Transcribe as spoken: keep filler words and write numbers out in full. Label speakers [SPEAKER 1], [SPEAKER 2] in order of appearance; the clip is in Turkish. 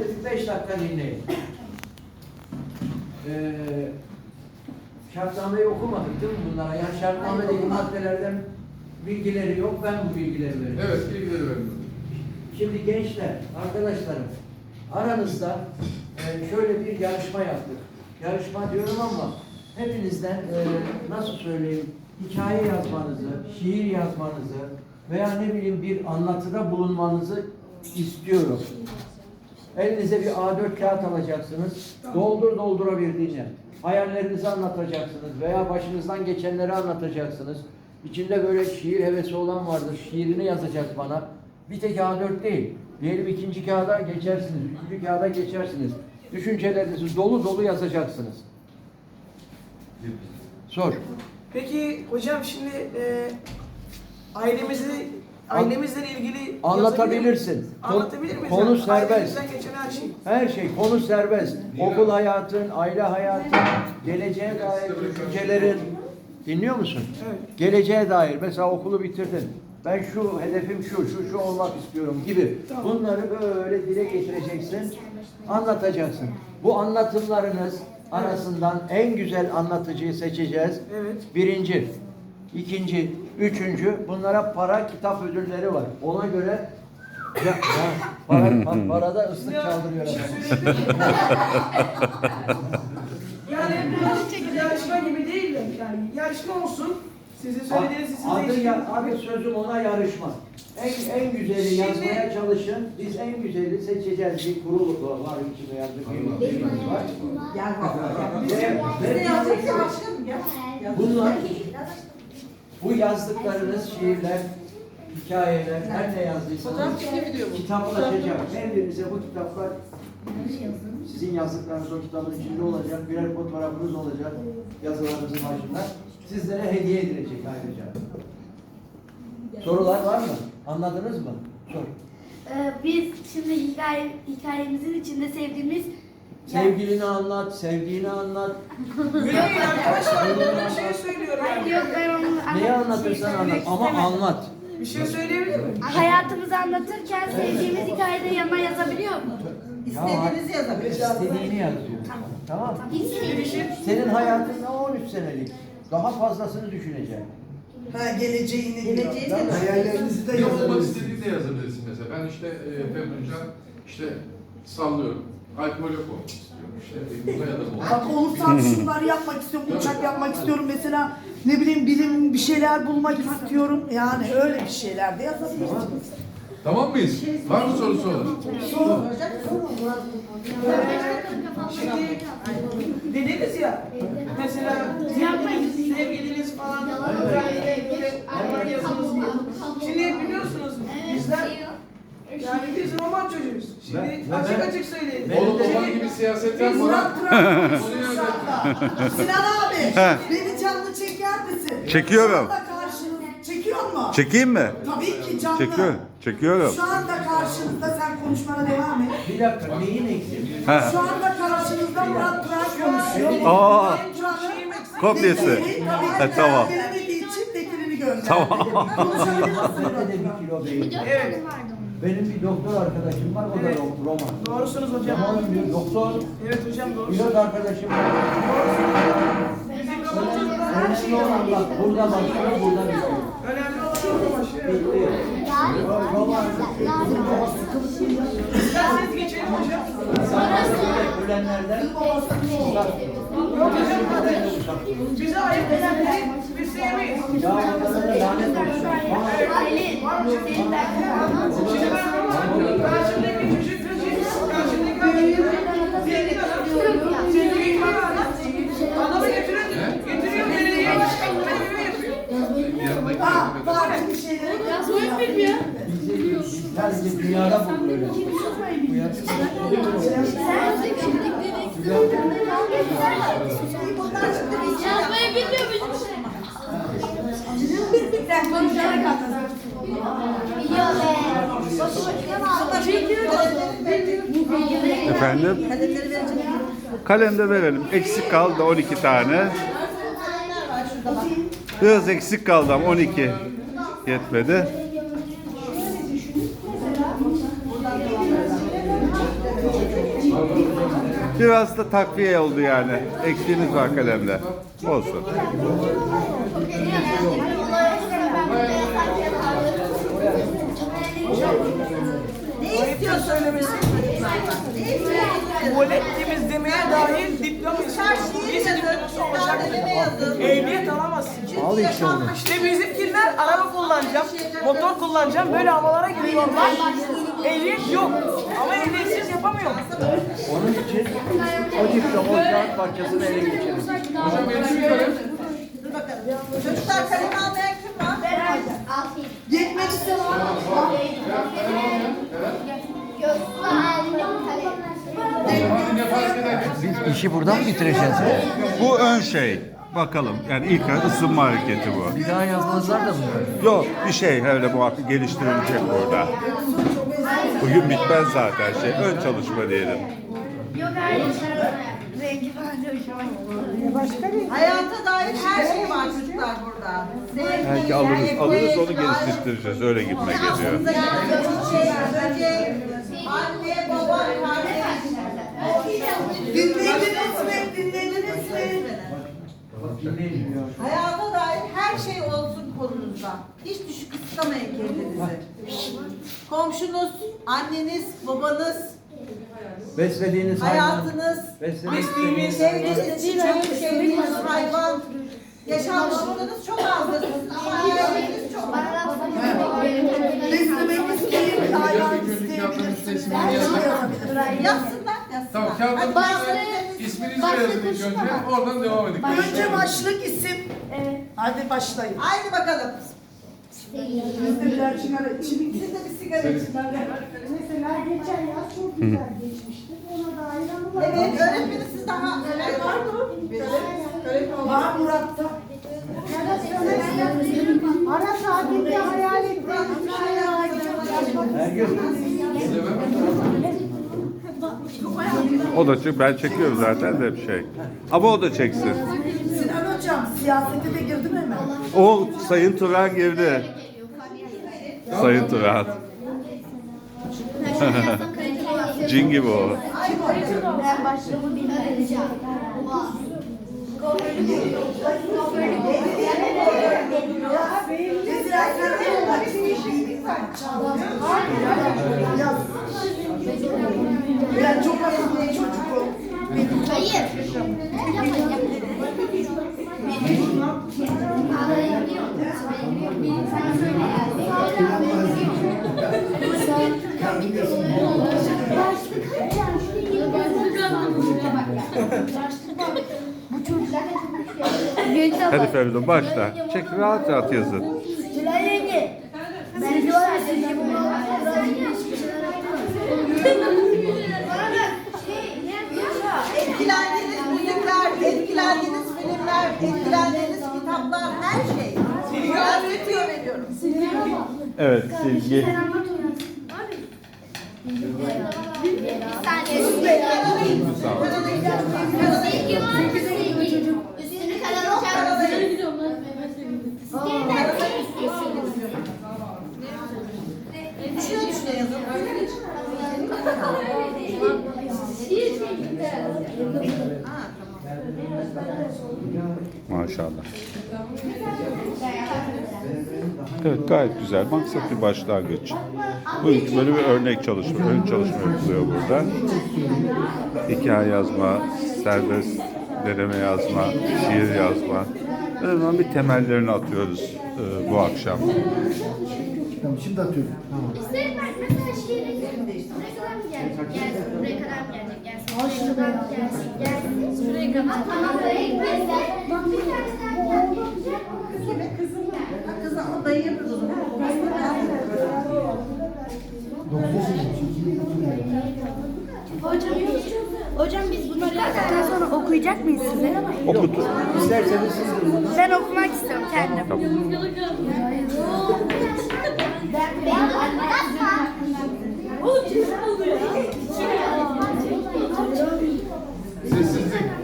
[SPEAKER 1] Şöyle bir beş dakika dinleyin. Ee, şartnameyi okumadık değil mi bunlara? Yani şartnamedeki maddelerden bilgileri yok, ben bu bilgileri veriyorum.
[SPEAKER 2] Evet, bilgileri veriyorum.
[SPEAKER 1] Şimdi gençler, arkadaşlarım, aranızda e, şöyle bir yarışma yaptık. Yarışma diyorum ama hepinizden e, nasıl söyleyeyim, hikaye yazmanızı, şiir yazmanızı veya ne bileyim bir anlatıda bulunmanızı istiyorum. Elinize bir A dört kağıt alacaksınız. Doldur doldurabildiğini. Hayallerinizi anlatacaksınız veya başınızdan geçenleri anlatacaksınız. İçinde böyle şiir hevesi olan vardır. Şiirini yazacak bana. Bir tek A dört değil. Diyelim ikinci kağıda geçersiniz. Üçüncü kağıda geçersiniz. Düşüncelerinizi dolu dolu yazacaksınız. Sor.
[SPEAKER 3] Peki hocam şimdi e, ailemizi ailemizle ilgili
[SPEAKER 1] Anlatabilirsin.
[SPEAKER 3] Anlatabilir miyiz?
[SPEAKER 1] Konu
[SPEAKER 3] yani?
[SPEAKER 1] serbest.
[SPEAKER 3] Ailemizden geçen her şey.
[SPEAKER 1] Her şey, konu serbest. Okul hayatın, aile hayatın, geleceğe dair düşüncelerin. Dinliyor musun?
[SPEAKER 3] Evet.
[SPEAKER 1] Geleceğe dair. Mesela okulu bitirdin. Ben şu hedefim şu, şu, şu olmak istiyorum gibi.
[SPEAKER 3] Tamam.
[SPEAKER 1] Bunları böyle dile getireceksin, anlatacaksın. Bu anlatımlarınız arasından en güzel anlatıcıyı seçeceğiz.
[SPEAKER 3] Evet.
[SPEAKER 1] Birinci, ikinci, üçüncü. Bunlara para, kitap ödülleri var. Ona göre ya, ya, para, pa- parada ıslık çaldırıyor
[SPEAKER 3] Bir şey
[SPEAKER 1] adam.
[SPEAKER 3] söyleyebilir miyim? Yani bu yarışma gibi değil de yani yarışma olsun. Sizin söylediğiniz sizin
[SPEAKER 1] Adı,
[SPEAKER 3] değişik-
[SPEAKER 1] ya, adı sözüm ona yarışma. En, en güzeli
[SPEAKER 3] Şimdi-
[SPEAKER 1] yazmaya çalışın. Biz en güzeli seçeceğiz. Bir kurul var içinde yazdık. Bir birimiz var.
[SPEAKER 4] Gel bak.
[SPEAKER 1] Ve- ve
[SPEAKER 4] Bize yazdık
[SPEAKER 1] biz-
[SPEAKER 4] ya başkanım ya.
[SPEAKER 1] Bunlar, bu yazdıklarınız şiirler, hikayeler, her ne yazdıysanız kitaplaşacak. Her birinize bu kitaplar sizin yazdıklarınız o kitabın içinde olacak. Birer fotoğrafınız olacak yazılarınızın başında. Sizlere hediye edilecek ayrıca. Sorular var mı? Anladınız mı? Sor.
[SPEAKER 5] Ee, biz şimdi hikaye, hikayemizin içinde sevdiğimiz
[SPEAKER 1] Sevgilini anlat, sevdiğini anlat.
[SPEAKER 3] Öyle değil arkadaşlar. Ben bir şey söylüyorum
[SPEAKER 5] Hayır,
[SPEAKER 3] yani.
[SPEAKER 5] yok ben onu
[SPEAKER 1] Neyi
[SPEAKER 5] anlatmak
[SPEAKER 1] anlatırsan
[SPEAKER 5] şey
[SPEAKER 1] anlat
[SPEAKER 5] söylemek
[SPEAKER 1] ama
[SPEAKER 5] istemem.
[SPEAKER 1] anlat.
[SPEAKER 3] Bir şey söyleyebilir miyim?
[SPEAKER 5] Hayatımızı anlatırken sevdiğimiz hikayede yanına yazabiliyor mu?
[SPEAKER 4] İstediğinizi yazabilirsiniz.
[SPEAKER 1] İstediğini yazıyor. Tamam.
[SPEAKER 5] İstediğimiz.
[SPEAKER 1] Senin hayatın on üç senelik. Daha fazlasını düşüneceksin.
[SPEAKER 4] Ha geleceğini geleceğini
[SPEAKER 1] Tamam.
[SPEAKER 4] hayallerinizi de
[SPEAKER 2] Ne olmak
[SPEAKER 4] yazabilirsiniz.
[SPEAKER 2] istediğini de yazabilirsin mesela. Ben işte e, Femrinca işte sallıyorum. Alkolik olmak istiyorum. İşte buna ya da bu.
[SPEAKER 4] Bak olursam şunları yapmak istiyorum, uçak yapmak istiyorum mesela ne bileyim bilim bir şeyler bulmak istiyorum. Yani öyle bir şeyler de yazabilirsiniz.
[SPEAKER 2] Tamam mıyız? Var mı sorusu olan?
[SPEAKER 3] Şimdi dediniz ya mesela sevgiliniz, sevgiliniz falan roman yazınız diye. Şimdi biliyorsunuz bizler yani biz roman çocuğuyuz. Şimdi
[SPEAKER 1] Ben- ben-
[SPEAKER 3] açık
[SPEAKER 1] ben-
[SPEAKER 3] açık söyleyelim.
[SPEAKER 1] ben-
[SPEAKER 2] Oğlum
[SPEAKER 3] Şimdi-
[SPEAKER 2] baban gibi siyaset
[SPEAKER 4] Biz
[SPEAKER 2] yapma.
[SPEAKER 4] Murat Durak konuşuyoruz şu anda. Sinan abi beni canlı çeker misin?
[SPEAKER 6] Çekiyorum.
[SPEAKER 4] Şu anda karşınızda. Çekiyor mu?
[SPEAKER 6] Çekeyim mi?
[SPEAKER 4] Tabii ki canlı.
[SPEAKER 6] Çekiyorum. Çekiyorum.
[SPEAKER 4] Şu anda karşınızda sen konuşmana devam et.
[SPEAKER 1] Bir dakika, neyin eksik?
[SPEAKER 6] Ha.
[SPEAKER 4] Şu anda karşınızda Murat Durak konuşuyor.
[SPEAKER 6] Aa,
[SPEAKER 4] Benim Durak'ın
[SPEAKER 6] kopyası.
[SPEAKER 4] vekili, tabii
[SPEAKER 6] Ha,
[SPEAKER 4] ki
[SPEAKER 6] tamam.
[SPEAKER 4] veremediği için vekilini gönderdi.
[SPEAKER 6] Tamam.
[SPEAKER 4] Konuşabilir misin
[SPEAKER 1] Bende de
[SPEAKER 4] Murat
[SPEAKER 1] bir kilo beyin.
[SPEAKER 3] Evet.
[SPEAKER 1] Benim bir doktor arkadaşım var, o da
[SPEAKER 3] Evet.
[SPEAKER 1] ro- roman.
[SPEAKER 3] Doğrusunuz hocam.
[SPEAKER 1] Roman bir doktor,
[SPEAKER 3] Evet hocam doğru.
[SPEAKER 1] pilot arkadaşım var.
[SPEAKER 3] Bizim roman çocuklar her şeyi
[SPEAKER 1] Önemli olan
[SPEAKER 3] yapıyor.
[SPEAKER 1] bak, burada başlıyor, burada bitiyor.
[SPEAKER 3] Önemli olan o başı.
[SPEAKER 1] Bitti. Roman,
[SPEAKER 3] İsterseniz geçelim hocam.
[SPEAKER 1] ölenlerden uzak.
[SPEAKER 3] Yok hocam. Bize ayıp edenleri biz sevmeyiz.
[SPEAKER 1] Ya onlara da lanet olsun.
[SPEAKER 5] Aile, senin derdin
[SPEAKER 3] Şimdi ben roman karşımdaki çocuk karşımdaki adamı zengin adam. Sevgili adam. Adamı getirin. Getiriyor belediye başkanı. Belediye yapıyor.
[SPEAKER 4] Aa, farklı bir şeylere
[SPEAKER 5] Yazmayı bilmiyor.
[SPEAKER 1] Bizi sadece dünyada bu böyle. Bu
[SPEAKER 5] Yazmayı bilmiyor musun?
[SPEAKER 4] Sen konuşarak anlat.
[SPEAKER 6] Efendim? Kalemde verelim. Eksik kaldı on iki tane. Biraz eksik kaldı ama on iki yetmedi. Biraz da takviye oldu yani. Eksiğiniz var kalemde. Olsun.
[SPEAKER 3] Ne istiyor söylemesi? Tuvalet temizlemeye dahil diploma istiyor. Lise diploması olacak. Ehliyet alamazsın.
[SPEAKER 1] Al işte onu.
[SPEAKER 3] İşte bizimkiler araba kullanacağım, motor kullanacağım, böyle havalara giriyorlar. Ehliyet yok ama ehliyetsiz yapamıyor.
[SPEAKER 1] Onun için o diploma o kağıt parçasını ele geçirin.
[SPEAKER 2] Hocam eksik kalem.
[SPEAKER 7] Çocuklar kalem almayan kim var?
[SPEAKER 4] Gitmek isteyen var mı?
[SPEAKER 2] Hadi ne fark eder?
[SPEAKER 1] Biz işi buradan mı bitireceğiz?
[SPEAKER 6] Bu ön şey. Bakalım. Yani ilk ısınma hareketi bu.
[SPEAKER 1] Bir daha yazmazlar da mı böyle?
[SPEAKER 6] Yok bir şey öyle bu hakkı geliştirilecek burada. Bugün bitmez zaten şey. Ön çalışma diyelim.
[SPEAKER 5] Yok hayır. Rengi falan da hoşuma gitti.
[SPEAKER 7] Hayata dair her şey var çocuklar burada. Sevgi,
[SPEAKER 6] Belki alırız,
[SPEAKER 7] ekmek,
[SPEAKER 6] alırız onu
[SPEAKER 7] aşk,
[SPEAKER 6] geliştireceğiz. Öyle gitme geliyor.
[SPEAKER 7] aklınıza gelen çiçek, böcek, anne, baba, kardeş.
[SPEAKER 4] Dinlediniz mi? Dinlediniz mi?
[SPEAKER 7] Hayata dair her şey olsun konunuzda. Hiç düşük kısıtlamayın kendinizi. Komşunuz, anneniz, babanız,
[SPEAKER 1] Beslediğiniz hayvan.
[SPEAKER 7] hayatınız,
[SPEAKER 1] Beslediğiniz
[SPEAKER 7] sevdiğiniz çiçek, sevdiğiniz hayvan, yaşanmışlığınız çok azdır. Ama hayalleriniz çok.
[SPEAKER 4] Beslemek isteyeyim, hayvan
[SPEAKER 2] Günlük yaptığınız
[SPEAKER 4] isteyebilirsiniz.
[SPEAKER 2] resmini
[SPEAKER 4] Her şeyi
[SPEAKER 2] yazın.
[SPEAKER 4] yazabilirim.
[SPEAKER 7] Yazsınlar, yazsınlar.
[SPEAKER 2] Tamam kağıdın üstüne isminizi yazın ilk önce. Oradan devam edin.
[SPEAKER 4] Önce başlık isim. Hadi başlayın.
[SPEAKER 7] Haydi bakalım.
[SPEAKER 4] Biz de birer sigara içelim.
[SPEAKER 7] Siz de bir sigara için.
[SPEAKER 8] Mesela geçen yaz çok güzel geçmişti. Ona dair anılar.
[SPEAKER 7] Evet, öğretmenim siz daha neler var mı? Öğretmenim
[SPEAKER 4] Var Murat'ta.
[SPEAKER 8] Ara tatilde hayal ettiğimiz bir şey var.
[SPEAKER 1] Her gün.
[SPEAKER 6] O da çek, ben çekiyorum zaten de bir şey. Ama o da çeksin.
[SPEAKER 4] Sinan Hocam siyasete de girdi mi hemen?
[SPEAKER 6] O Sayın Turan girdi. Sayın Turan. Cin gibi o.
[SPEAKER 5] Ben başlığımı bilmem.
[SPEAKER 4] Mesela sen olmak istiyorsun. Yaz. Ben çok akıllı çocuk o.
[SPEAKER 5] Hayır. Yapmayın, yapmayın.
[SPEAKER 8] Bu çocuklar
[SPEAKER 6] Hadi Feridun başla. Çek rahat rahat yazın.
[SPEAKER 5] Tülay yenge. Sizce var ya, sizce bu
[SPEAKER 7] etkilendiğiniz müzikler, etkilendiğiniz filmler, etkilendiğiniz kitaplar, her şey. Ben öğretiyor veriyorum.
[SPEAKER 6] Evet silgi.
[SPEAKER 5] Bir saniye. Silgi var mı silgi? Üstünü karalayacak mısın?
[SPEAKER 7] Düşüne düşüne yazın.
[SPEAKER 6] Maşallah. Evet gayet güzel. Maksat bir başlangıç. Bu ilk böyle bir örnek çalışma, ön çalışma yapılıyor burada. Hikaye yazma, serbest deneme yazma, şiir yazma. Önemli bir temellerini atıyoruz e, bu akşam.
[SPEAKER 1] Şimdi atıyorum.
[SPEAKER 5] İsterim ben mesela şiiri buraya kadar mı gelecek? Gelsin. Buraya kadar mı gelecek? Gelsin. Buraya kadar mı gelsin? Gelsin. Şuraya kadar. Tamam. Buraya gitmezse bak bir tane daha gelecek.
[SPEAKER 7] Kime kızım? Kızım o dayı kızım.
[SPEAKER 5] Hocam, hocam biz bunları yazdıktan sonra okuyacak mıyız size?
[SPEAKER 6] Okutun.
[SPEAKER 1] İsterseniz siz
[SPEAKER 5] Ben okumak istiyorum kendim.
[SPEAKER 6] Tamam.
[SPEAKER 5] Ben, ben, ben,